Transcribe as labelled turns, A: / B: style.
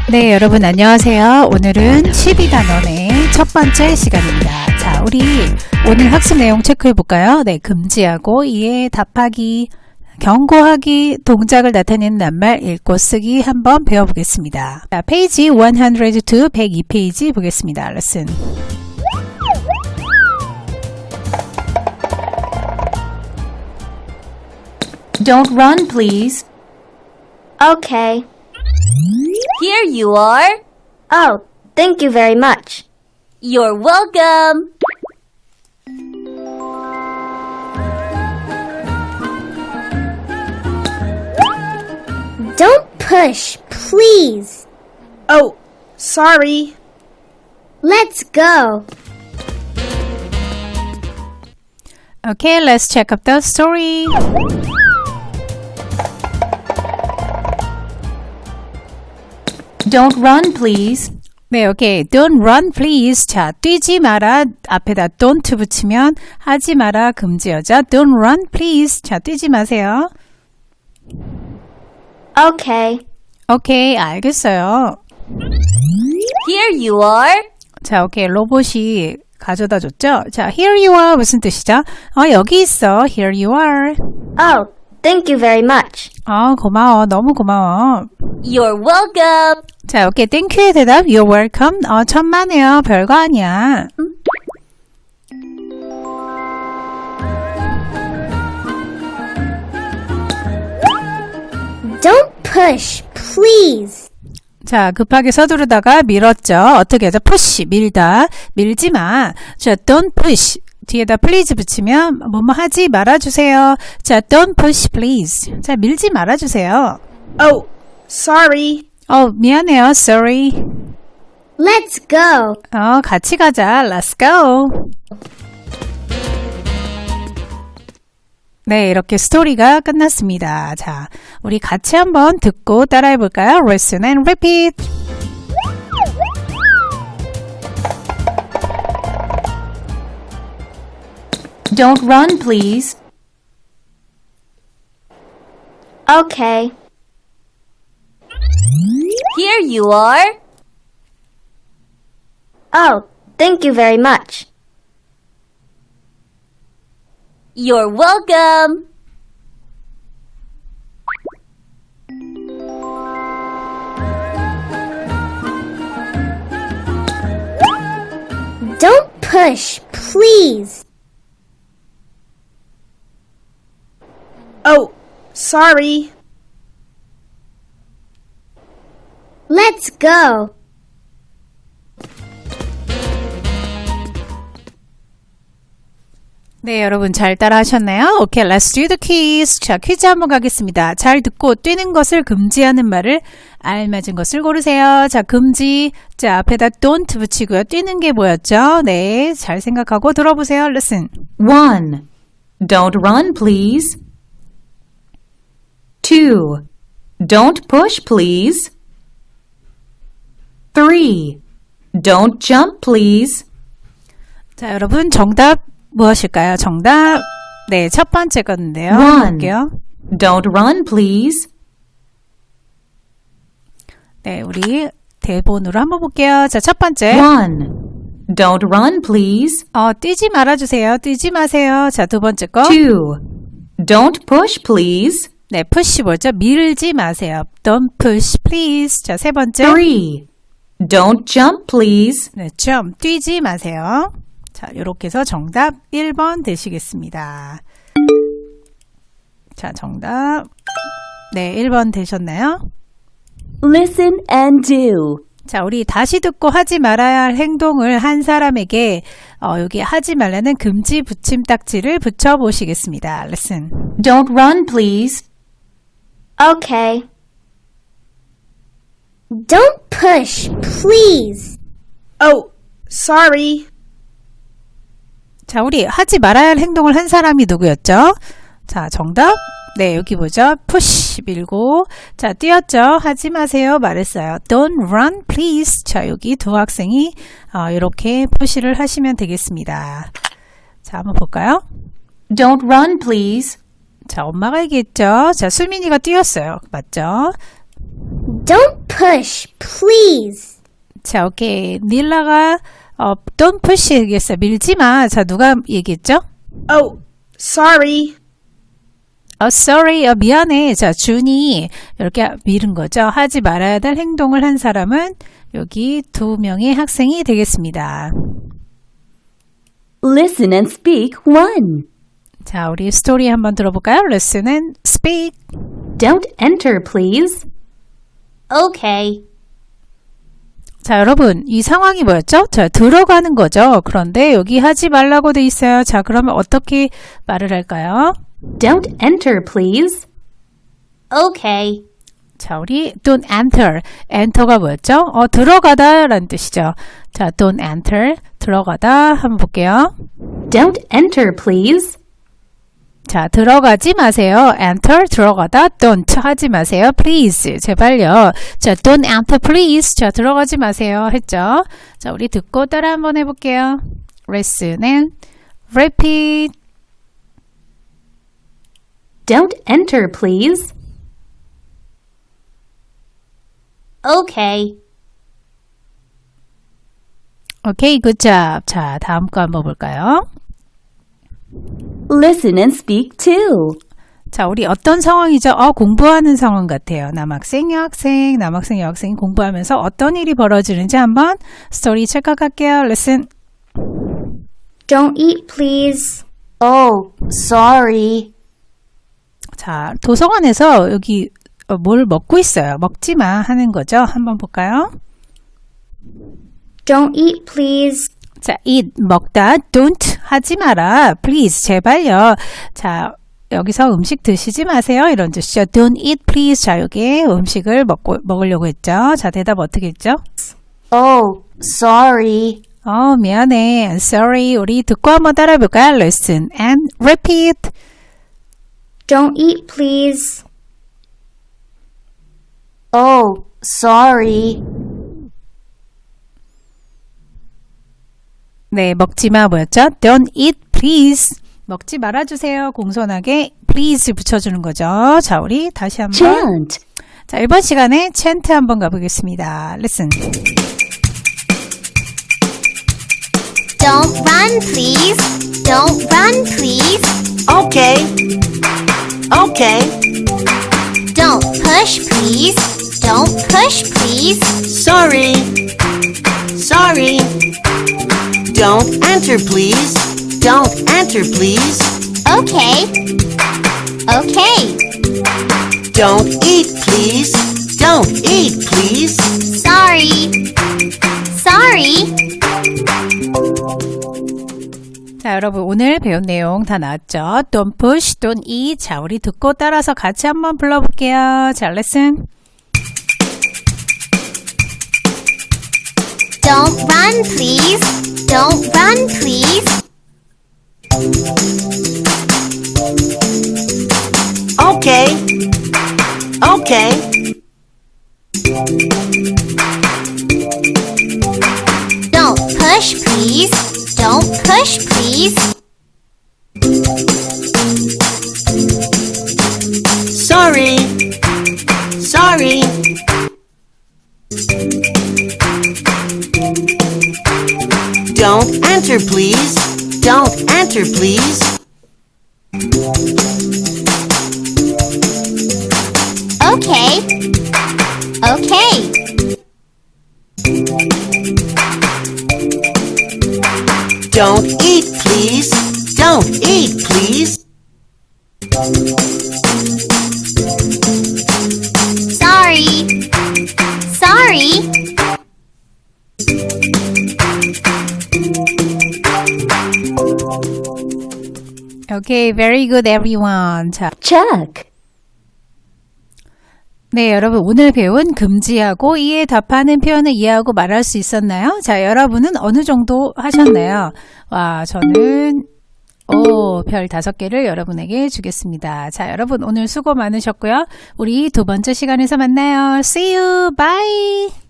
A: 네, 여러분 안녕하세요. 오늘은 12단원의 첫 번째 시간입니다. 자, 우리 오늘 학습 내용 체크해 볼까요? 네, 금지하고 이에 답하기, 경고하기, 동작을 나타내는 낱말 읽고 쓰기 한번 배워보겠습니다. 자, 페이지 102, 102페이지 보겠습니다. 레슨.
B: Don't run, please.
C: Okay.
D: Here you are.
C: Oh, thank you very much.
D: You're welcome.
C: Don't push, please.
E: Oh, sorry.
C: Let's go.
A: Okay, let's check up the story.
B: Don't run, please.
A: 네, 오케이. Don't run, please. 자, 뛰지 마라. 앞에다 don't 붙이면 하지 마라. 금지어죠. Don't run, please. 자, 뛰지 마세요.
C: Okay.
A: 오케이, 알겠어요.
D: Here you are.
A: 자, 오케이. 로봇이 가져다 줬죠? 자, here you are 무슨 뜻이죠? 여기 있어. Here you are.
C: Oh, thank you very much.
A: 고마워. 너무 고마워.
D: You're welcome.
A: 자, 오케이. 땡큐의 대답. You're welcome. 천만에요. 별거 아니야.
C: Don't push, please.
A: 자, 급하게 서두르다가 밀었죠. 어떻게 하죠? push, 밀다. 밀지 마. 자, don't push. 뒤에다 please 붙이면 뭐뭐 하지 말아주세요. 자, don't push, please. 자, 밀지 말아주세요.
E: Oh, sorry.
A: 미안해요. sorry.
C: Let's go.
A: 같이 가자. Let's go. 네, 이렇게 스토리가 끝났습니다. 자, 우리 같이 한번 듣고 따라해 볼까요? Listen and repeat.
B: Don't run, please.
C: Okay.
D: Here you are.
C: Oh, thank you very much.
D: You're welcome.
C: Don't push, please.
E: Oh, sorry.
C: Let's go.
A: 네, 여러분 잘 따라 하셨나요? 오케이, let's do the quiz. 자, 퀴즈 한번 가겠습니다. 잘 듣고 뛰는 것을 금지하는 말을 알맞은 것을 고르세요. 자, 금지. 자, 앞에다 don't 붙이고요. 뛰는 게 뭐였죠? 네, 잘 생각하고 들어보세요. Listen.
B: 1. Don't run, please. 2. Don't push, please. 3. Don't jump, please.
A: 자, 여러분 정답 무엇일까요? 정답. 네, 첫 번째 건데요.
B: 1.
A: 볼게요.
B: Don't run, please.
A: 네, 우리 대본으로 한번 볼게요. 자, 첫 번째.
B: 1. Don't run, please.
A: 뛰지 말아주세요. 뛰지 마세요. 자, 두 번째 거.
B: 2. Don't push, please.
A: 네, push 뭐죠? 밀지 마세요. Don't push, please. 자, 세 번째.
B: 3. Don't jump, please.
A: 네, 좀 뛰지 마세요. 자, 이렇게 해서 정답 1번 되시겠습니다. 자, 정답. 네, 1번 되셨나요?
D: Listen and do.
A: 자, 우리 다시 듣고 하지 말아야 할 행동을 한 사람에게 여기 하지 말라는 금지 붙임 딱지를 붙여 보시겠습니다. Listen.
B: Don't run, please.
C: Okay. Don't push, please.
E: Oh, sorry.
A: 자, 우리 하지 말아야 할 행동을 한 사람이 누구였죠? 자, 정답. 네, 여기 보죠. push 밀고 자, 뛰었죠. 하지 마세요. 말했어요. Don't run, please. 자, 여기 두 학생이 이렇게 표시를 하시면 되겠습니다. 자, 한번 볼까요?
B: Don't run, please.
A: 자, 엄마가 얘기했죠. 자, 수민이가 뛰었어요. 맞죠?
C: Don't push, please.
A: 자, 오케이. 닐라가 don't push 얘기했어요. 밀지 마. 자, 누가 얘기했죠?
E: Oh, sorry.
A: Sorry. 미안해. 자, 준이 이렇게 밀은 거죠. 하지 말아야 될 행동을 한 사람은 여기 2명의 학생이 되겠습니다.
D: Listen and speak 1.
A: 자, 우리 스토리 한번 들어볼까요? Listen and speak.
B: Don't enter, please.
C: Okay.
A: 자, 여러분, 이 상황이 뭐였죠? 자, 들어가는 거죠. 그런데 여기 하지 말라고 돼 있어요. 자, 그러면 어떻게 말을 할까요?
B: Don't enter, please.
C: Okay.
A: 자, 우리 don't enter. enter가 뭐였죠? 들어가다 라는 뜻이죠. 자, don't enter. 들어가다 한번 볼게요.
B: Don't enter, please.
A: 자, 들어가지 마세요. enter, 들어가다. don't 하지 마세요. please, 제발요. 자, don't enter, please. 자, 들어가지 마세요. 했죠? 자, 우리 듣고 따라 한번 해볼게요. listen and repeat.
B: Don't enter, please.
C: Okay.
A: 오케이, good job. 자, 다음 거 한번 볼까요?
D: Listen and speak 2.
A: 자, 우리 어떤 상황이죠? 공부하는 상황 같아요. 남학생, 여학생, 남학생, 여학생이 공부하면서 어떤 일이 벌어지는지 한번 스토리 체크할게요. Listen.
C: Don't eat, please.
D: Oh, sorry.
A: 자, 도서관에서 여기 뭘 먹고 있어요. 먹지 마 하는 거죠. 한번 볼까요?
C: Don't eat, please.
A: 자, eat, 먹다. don't, 하지 마라. please, 제발요. 자, 여기서 음식 드시지 마세요. 이런 뜻이죠. don't eat, please. 자, 여기 음식을 먹으려고 했죠. 자, 대답 어떻게 했죠?
D: Oh, sorry.
A: 미안해. I'm sorry. 우리 듣고 한번 따라해 볼까요? Listen and repeat.
C: Don't eat, please.
D: Oh, sorry.
A: 네, 먹지 마 뭐였죠? Don't eat, please. 먹지 말아주세요. 공손하게 please 붙여주는 거죠. 자, 우리 다시 한번.
D: Chant.
A: 자, 이번 시간에 chant 한번 가보겠습니다. Listen.
C: Don't run, please. Don't run, please.
F: Okay. Okay.
C: Don't push, please. Don't push, please.
F: Sorry. Sorry. Don't enter, please. Don't enter, please.
C: Okay. Okay.
F: Don't eat, please. Don't eat, please.
C: Sorry. Sorry.
A: 자, 여러분 오늘 배운 내용 다 나왔죠? Don't push, don't eat. 자, 우리 듣고 따라서 같이 한번 불러볼게요. 자, listen.
C: Don't run, please. Don't run, please.
F: Okay. Okay.
C: Don't push, please. Don't push, please.
F: Sorry. Sorry. Don't enter, please. Don't enter, please.
C: Okay. Okay.
F: Don't eat, please. Don't eat, please.
C: Sorry. Sorry.
A: Okay, very good everyone. 자,
D: Check.
A: 네, 여러분 오늘 배운 금지하고 이에 답하는 표현을 이해하고 말할 수 있었나요? 자, 여러분은 어느 정도 하셨나요? 와, 저는 별 5개를 여러분에게 주겠습니다. 자, 여러분 오늘 수고 많으셨고요. 우리 두 번째 시간에서 만나요. See you. Bye.